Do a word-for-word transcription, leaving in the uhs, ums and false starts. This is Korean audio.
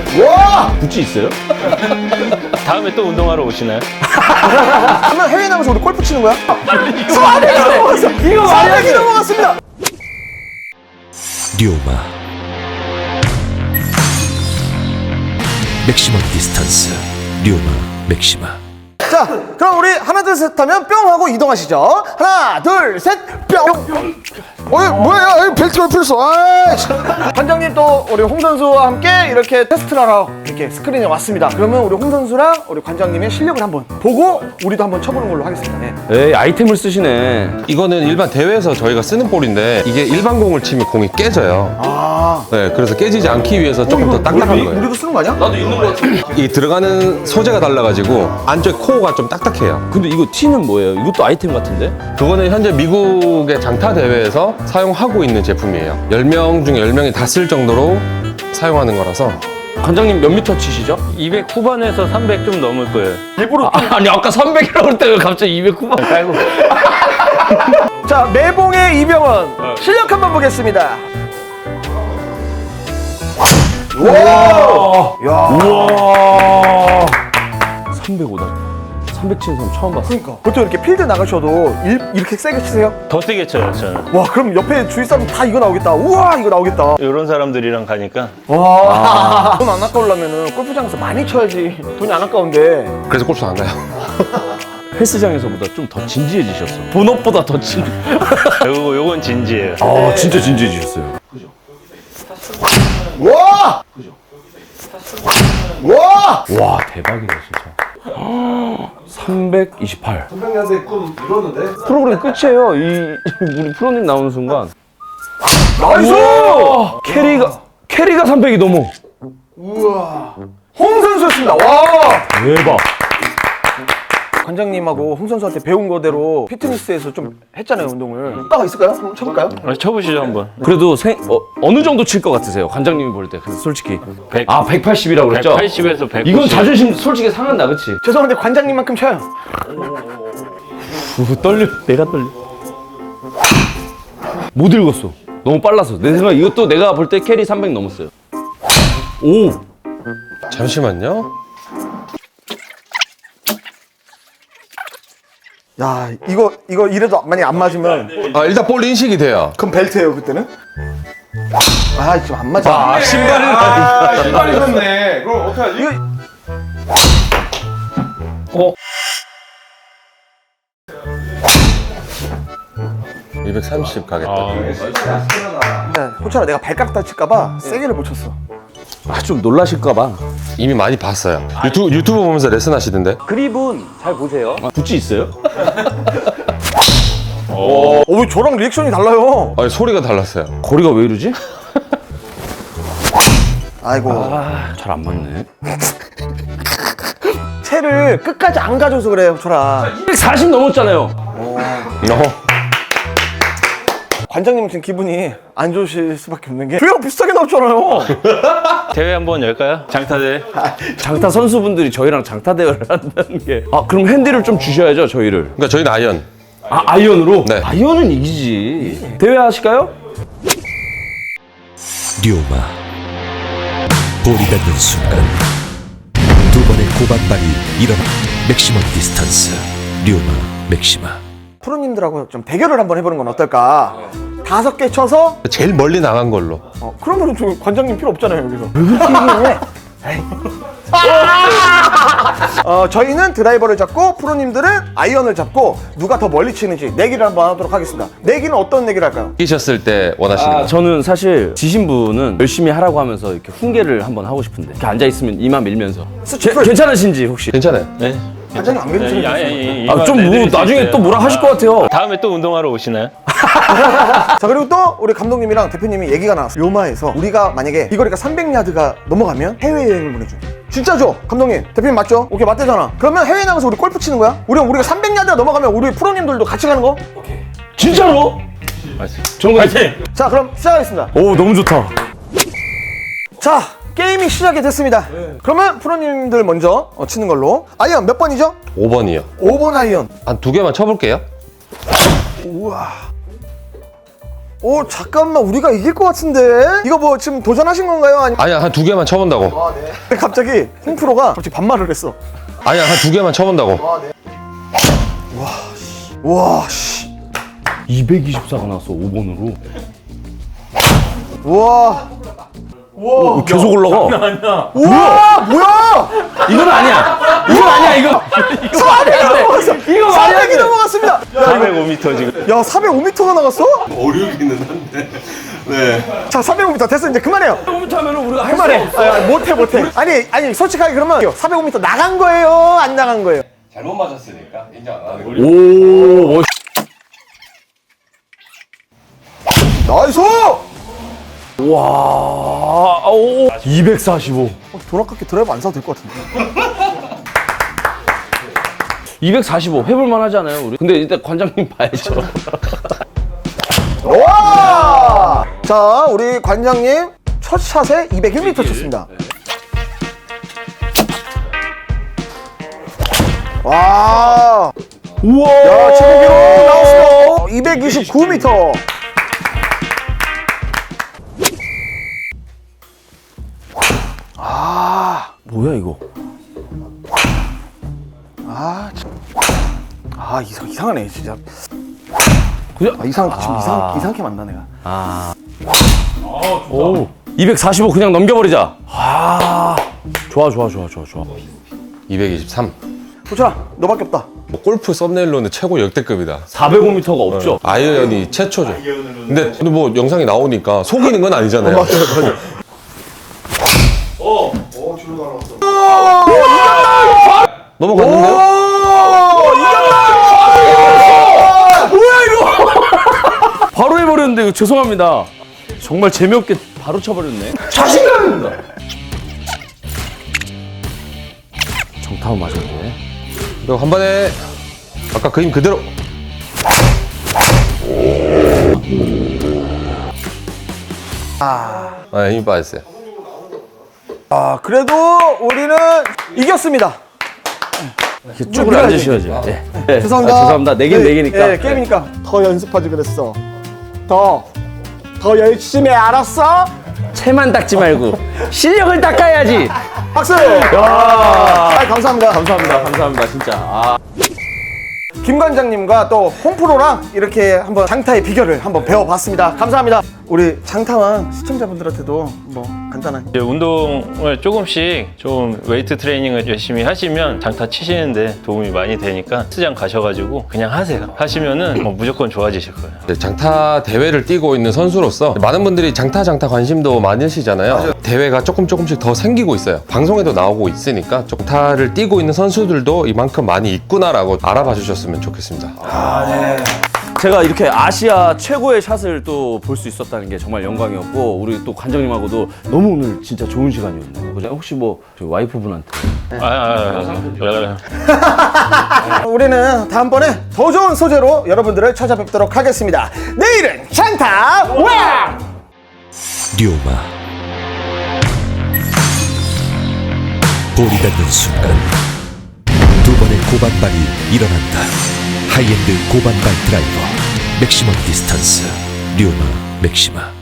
와! 구찌 있어요? 다음에 또 운동하러 오시나요? 그러면 해외 나가서 우리 골프 치는 거야? 사백이 넘어갔어! 이거 사백이 넘어갔습니다! 류마 맥시멈 디스턴스 류마 맥시마. 자, 그럼 우리 하나 둘 셋 하면 뿅 하고 이동하시죠. 하나 둘 셋 뿅. 어이 뭐야? 여기 벨트가 풀렸어. 아이씨. 관장님 또 우리 홍 선수와 함께 이렇게 테스트를 하러 이렇게 스크린에 왔습니다. 그러면 우리 홍 선수랑 우리 관장님의 실력을 한번 보고 우리도 한번 쳐보는 걸로 하겠습니다. 네. 에이, 아이템을 쓰시네. 이거는 일반 대회에서 저희가 쓰는 볼인데 이게 일반 공을 치면 공이 깨져요. 아, 네, 그래서 깨지지 않기 위해서 조금 더 딱딱한 우리, 거예요. 우리도 쓰는 거 아니야? 나도 있는 거 같아. 이 들어가는 소재가 달라가지고 안쪽 코어가 좀 딱딱해요. 근데 이거 티는 뭐예요? 이것도 아이템 같은데? 그거는 현재 미국의 장타 대회에서 사용하고 있는 제품이에요. 열 명 중에 열 명이 다 쓸 정도로 사용하는 거라서. 관장님 몇 미터 치시죠? 이백 후반에서 삼백 좀 넘을 거예요. 일부러 아, 아니 아까 삼백이라고 그럴 때 왜 갑자기 이백 후반 깔고. 자, 매봉의 이병헌 실력 한번 보겠습니다. 와! 야, 우와. 삼백오다. 삼백 치는 사람 처음 봤어. 그러니까 보통 이렇게 필드 나가셔도 일, 이렇게 세게 치세요? 더 세게 쳐요, 저는. 와, 그럼 옆에 주위 사람 다 이거 나오겠다. 우와, 이거 나오겠다. 이런 사람들이랑 가니까 와, 돈 안 아까우려면 골프장에서 많이 쳐야지. 돈이 안 아까운데. 그래서 골프 안 가요. 헬스장에서보다 좀 더 진지해지셨어. 본업보다 더 진. 요거, 요건 진지해요. 아 진짜 진지해지셨어요. 와! 와! 와 대박이다 진짜. 삼백이십팔. 삼백년대 꿈 이뤘는데? 프로그램 끝이에요. 이 우리 프로님 나오는 순간. 나이스! 우와! 캐리가 캐리가 삼백이 넘어. 우와. 홍 선수였습니다. 와! 대박. 관장님하고 홍 선수한테 배운 거대로 피트니스에서 좀 했잖아요, 운동을. 효과가 있을까요? 한번 쳐볼까요? 아, 쳐보시죠, 한번. 그래도 생, 어, 어느 정도 칠 것 같으세요? 관장님이 볼 때. 그래서 솔직히. 백. 아 백팔십이라고 그랬죠? 백팔십에서 백구십. 이건 자존심 솔직히 상한다, 그치? 죄송한데 관장님만큼 쳐요. 우, 떨려. 내가 떨려. 못 읽었어. 너무 빨라서. 내 생각 이것도 내가 볼 때 캐리 삼백 넘었어요. 오. 잠시만요. 야, 이거 이거 이래도 만약 안 맞으면 아, 일단 볼 인식이 돼요. 그럼 벨트예요, 그때는? 아, 지금 안 맞아. 아 신발을. 아, 신발이 있었네. 그럼 어떡하지? 이거 어. 이백삼십 가겠다. 야, 호철아, 내가 발가락 다칠까봐 세게를 못 쳤어. 아좀 놀라실까봐. 이미 많이 봤어요. 유튜브, 유튜브 보면서 레슨 하시던데. 그립은 잘 보세요. 구찌 있어요? 어, 왜 저랑 리액션이 달라요? 아니, 소리가 달랐어요. 거리가 왜 이러지? 아이고. 아, 잘 안 맞네. 채를 끝까지 안 가져서 그래, 호철아. 이백사십 넘었잖아요. 어. 관장님은 지금 기분이 안 좋으실 수밖에 없는 게 저희랑 비슷하게 나왔잖아요. 대회 한번 열까요? 장타대. 장타 선수분들이 저희랑 장타 대회를 한다는 게. 아 그럼 핸디를 좀 주셔야죠 저희를. 그러니까 저희는 아이언. 아 아이언으로? 네. 아이언은 이기지. 대회 하실까요? 류마 볼이 닿는 순간 두 번의 고반발이 일어나. 맥시멈 디스턴스 류마 맥시마. 프로님들하고 좀 대결을 한번 해보는 건 어떨까? 다섯 개 쳐서 제일 멀리 나간 걸로. 어, 그러면 저 관장님 필요 없잖아요, 여기서. 왜 그렇게 얘기해? 어, 저희는 드라이버를 잡고 프로님들은 아이언을 잡고 누가 더 멀리 치는지 내기를 한번 하도록 하겠습니다. 내기는 어떤 내기를 할까요? 이기셨을 때 원하시는 아, 거. 저는 사실 지신 분은 열심히 하라고 하면서 이렇게 훈계를 한번 하고 싶은데 이렇게 앉아 있으면 이마 밀면서. 제, 괜찮으신지 혹시? 괜찮아요. 네. 관장님 안 괜찮으세요? 아니, 아니, 아, 좀 뭐 나중에 또 뭐라 하실 것 같아요. 다음에 또 운동하러 오시나요? 자, 그리고 또 우리 감독님이랑 대표님이 얘기가 나왔어요. 료마에서 우리가 만약에 이 거리가 삼백 야드가 넘어가면 해외여행을 보내줘요. 진짜죠? 감독님, 대표님 맞죠? 오케이, 맞대잖아. 그러면 해외 나가서 우리 골프 치는 거야? 우리 우리가 삼백 야드가 넘어가면 우리 프로님들도 같이 가는 거? 진짜로? 좋은 거 같아. 자, 그럼 시작하겠습니다. 오 너무 좋다. 자, 게임이 시작이 됐습니다. 그러면 프로님들 먼저 어, 치는 걸로. 아이언 몇 번이죠? 오 번이요. 오 번 아이언. 한 두 개만 쳐볼게요. 우와. 오 잠깐만 우리가 이길 것 같은데 이거 뭐 지금 도전하신 건가요? 아니 아니야, 한 두 개만 쳐본다고. 갑자기 홍프로가 갑자기 반말을 했어. 아니야, 한 두 개만 쳐본다고. 와 씨. 이백이십사가 나왔어 오 번으로. 와. 오, 계속 올라가. 우와 뭐야? 이건 아니야. 이건 아니야 이거. 사백이 넘어갔어. 이거 말이 안 사백이 돼. 넘어갔습니다. 사백오 미터 지금. 야 사백오 미터가 나갔어? 어려우기는 한데. 네. 자 사백오 미터 됐어 이제 그만해요. 오 미터 하면 우리가 할 그만해. 수 없어. 아, 못해 못해. 아니 아니 솔직하게 그러면 사백오 미터 나간 거예요? 안 나간 거예요? 잘못 맞았으니까 인정 안 하는 거예요. 오. 나이스! 와. 오. 이백사십오. 어, 돈 아깝게 드라이브 안 사도 될 것 같은데. 이백사십오 해볼만 하지 않아요 우리? 근데 일단 관장님 봐야죠. 와! 자 우리 관장님 첫 샷에 이백일 미터 쳤습니다. 와! 우와. 야 최고 기록 나왔어. 이백이십구 미터. 뭐야 이거? 아, 참. 아 이상 이상하네 진짜. 그냥 아, 이상 좀 이상 이상하게 만나 내가. 오. 이백사십오 그냥 넘겨버리자. 아. 좋아 좋아 좋아 좋아 좋아. 이백이십삼. 도철아 너밖에 없다. 뭐 골프 썸네일로는 최고 역대급이다. 사백오 미터가 없죠. 아이언이 최초죠. 근데, 근데 뭐 영상이 나오니까 속이는 건 아니잖아요. 넘어갔는데요? 뭐야 이거? 바로 해버렸는데 이거 죄송합니다. 정말 재미없게 바로 쳐버렸네. 자신감입니다. 정타운 맞았네. 그리고 한 번에 아까 그 힘 그대로. 아, 힘이 빠졌어요. 아 그래도 우리는 이겼습니다. 쭉 앉으셔야죠. 예. 예. 죄송합니다. 아, 죄송합니다. 내긴 네, 내기니까. 네, 게임이니까 더 연습하지 그랬어. 더. 더 열심히 해, 알았어? 채만 닦지 말고 실력을 닦아야지. 박수! 아, 감사합니다. 감사합니다. 감사합니다. 진짜. 아. 김 관장님과 또 홍프로랑 이렇게 한번 장타의 비결을 한번 배워봤습니다. 감사합니다. 우리 장타왕 시청자분들한테도 뭐 간단한 이제 운동을 조금씩 좀 웨이트 트레이닝을 열심히 하시면 장타 치시는데 도움이 많이 되니까 헬스장 가셔가지고 그냥 하세요. 하시면은 뭐 무조건 좋아지실 거예요. 네, 장타 대회를 뛰고 있는 선수로서 많은 분들이 장타 장타 관심도 많으시잖아요. 대회가 조금 조금씩 더 생기고 있어요. 방송에도 나오고 있으니까 장타를 뛰고 있는 선수들도 이만큼 많이 있구나라고 알아봐 주셨으면 좋겠습니다. 제가 이렇게 아시아 최고의 샷을 또 볼 수 있었다는 게 정말 영광이었고 우리 또 관장님하고도 너무 오늘 진짜 좋은 시간이었네요. 그죠? 혹시 뭐 저희 와이프분한테 아, 아, 아, 아. 우리는 다음번에 더 좋은 소재로 여러분들을 찾아뵙도록 하겠습니다. 내일은 장타 왕! 류마 볼이 닿는 순간 두 번의 고반발이 일어난다. 하이엔드 고반발 드라이버 맥시멈 디스턴스 류마 맥시마.